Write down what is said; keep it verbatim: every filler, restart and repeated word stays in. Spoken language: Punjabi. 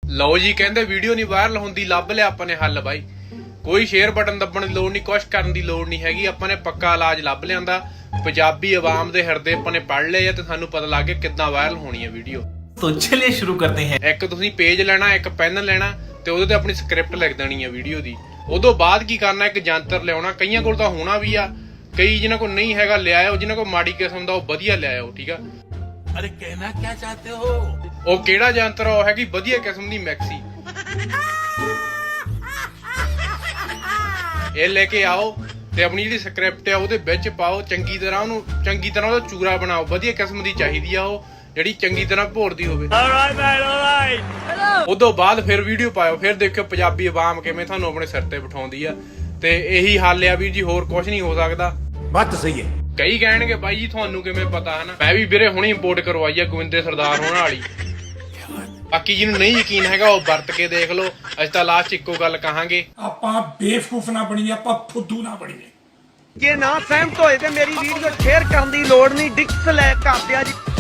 ਲਓ ਜੀ, ਕਹਿੰਦੇ ਵੀਡੀਓ ਨਹੀਂ ਵਾਇਰਲ ਹੁੰਦੀ, ਲੱਭ ਲਿਆ ਆਪਾਂ ਨੇ ਹੱਲ ਬਾਈ। ਕੋਈ ਸ਼ੇਅਰ ਬਟਨ ਦੱਬਣ ਦੀ ਲੋੜ ਨਹੀਂ, ਕੁਛ ਕਰਨ ਦੀ ਲੋੜ ਨਹੀਂ ਹੈਗੀ। ਆਪਾਂ ਨੇ ਪੱਕਾ ਇਲਾਜ ਲੱਭ ਲਿਆਂਦਾ। ਪੰਜਾਬੀ ਆਵਾਮ ਦੇ ਹਿਰਦੇ ਆਪਾਂ ਨੇ ਪੜ ਲਏ ਆ ਤੇ ਸਾਨੂੰ ਪਤਾ ਲੱਗ ਗਿਆ ਕਿੱਦਾਂ ਵਾਇਰਲ ਹੋਣੀ ਹੈ ਵੀਡੀਓ। तो चलिए शुरू करते हैं। ਇੱਕ ਤੁਸੀਂ ਪੇਜ ਲੈਣਾ, ਇੱਕ ਪੈਨ ਲੈਣਾ ਤੇ ਉਹਦੇ ਤੇ ਆਪਣੀ ਸਕ੍ਰਿਪਟ ਲਿਖ ਦੇਣੀ ਹੈ ਵੀਡੀਓ ਦੀ। ਉਦੋਂ ਬਾਅਦ ਕੀ ਕਰਨਾ, ਇੱਕ ਜੰਤਰ ਲਿਆਉਣਾ। ਕਈਆਂ ਕੋਲ ਤਾਂ ਹੋਣਾ ਵੀ ਆ, ਕਈ ਜਿਨ੍ਹਾਂ ਕੋਲ ਨਹੀਂ ਹੈਗਾ ਲਿਆਇਓ, ਜਿਨ੍ਹਾਂ ਕੋਲ ਮਾੜੀ ਕਿਸਮ ਦਾ ਉਹ ਵਧੀਆ ਲਿਆਇਓ, ਠੀਕ ਆ। अरे कहना क्या चाहते हो? ਉਹ ਕਿਹੜਾ ਜੰਤਰ ਆ? ਉਹ ਹੈਗੀ ਵਧੀਆ ਕਿਸਮ ਦੀ ਮੈਕਸੀ। ਇਹ ਲੈ ਕੇ ਆਓ ਤੇ ਆਪਣੀ ਜਿਹੜੀ ਸਕ੍ਰਿਪਟ ਆ ਉਹਦੇ ਵਿੱਚ ਪਾਓ, ਚੰਗੀ ਤਰ੍ਹਾਂ ਉਹਨੂੰ ਚੰਗੀ ਤਰ੍ਹਾਂ ਉਹਦਾ ਚੂਰਾ ਬਣਾਓ। ਵਧੀਆ ਕਿਸਮ ਦੀ ਚਾਹੀਦੀ ਆ ਉਹ, ਜਿਹੜੀ ਚੰਗੀ ਤਰ੍ਹਾਂ ਭੋਰਦੀ ਹੋਵੇ। ਉਦੋਂ ਬਾਅਦ ਫਿਰ ਵੀਡੀਓ ਪਾਇਓ, ਫਿਰ ਦੇਖਿਓ ਪੰਜਾਬੀ ਆਵਾਮ ਕਿਵੇਂ ਤੁਹਾਨੂੰ ਆਪਣੇ ਸਿਰ ਤੇ ਬਿਠਾਉਂਦੀ ਆ। ਤੇ ਇਹੀ ਹੱਲ ਆ ਵੀਰ ਜੀ, ਹੋਰ ਕੁਝ ਨਹੀਂ ਹੋ ਸਕਦਾ। बात तो सही है। ਕਈ ਕਹਿਣਗੇ ਬਾਈ ਜੀ ਤੁਹਾਨੂੰ ਕਿਵੇਂ ਪਤਾ, ਹਨਾ। ਮੈਂ ਵੀ ਵੀਰੇ ਹੁਣੇ ਇੰਪੋਰਟ ਕਰਵਾਈ ਆ ਗੋਬਿੰਦੇ ਸਰਦਾਰ ਹੋਣ ਵਾਲੀ। ਬਾਕੀ ਜਿਹਨੂੰ ਨਹੀਂ ਯਕੀਨ ਹੈਗਾ ਉਹ ਵਰਤ ਕੇ ਦੇਖ ਲਓ। ਅਸੀਂ ਤਾਂ ਲਾਸਟ ਇੱਕੋ ਗੱਲ ਕਹਾਂਗੇ, ਆਪਾਂ ਬੇਵਕੂਫ ਨਾ ਬਣੀਏ, ਆਪਾਂ ਫੁੱਦੂ ਨਾ ਬਣੀਏ। ਜੇ ਨਾ ਸਹਿਮਤ ਹੋਏ ਤੇ ਮੇਰੀ ਵੀਡੀਓ ਸ਼ੇਅਰ ਕਰਨ ਦੀ ਲੋੜ ਨਹੀਂ, ਡਿਸਲਾਈਕ ਕਰ ਦਿਆ ਜੀ।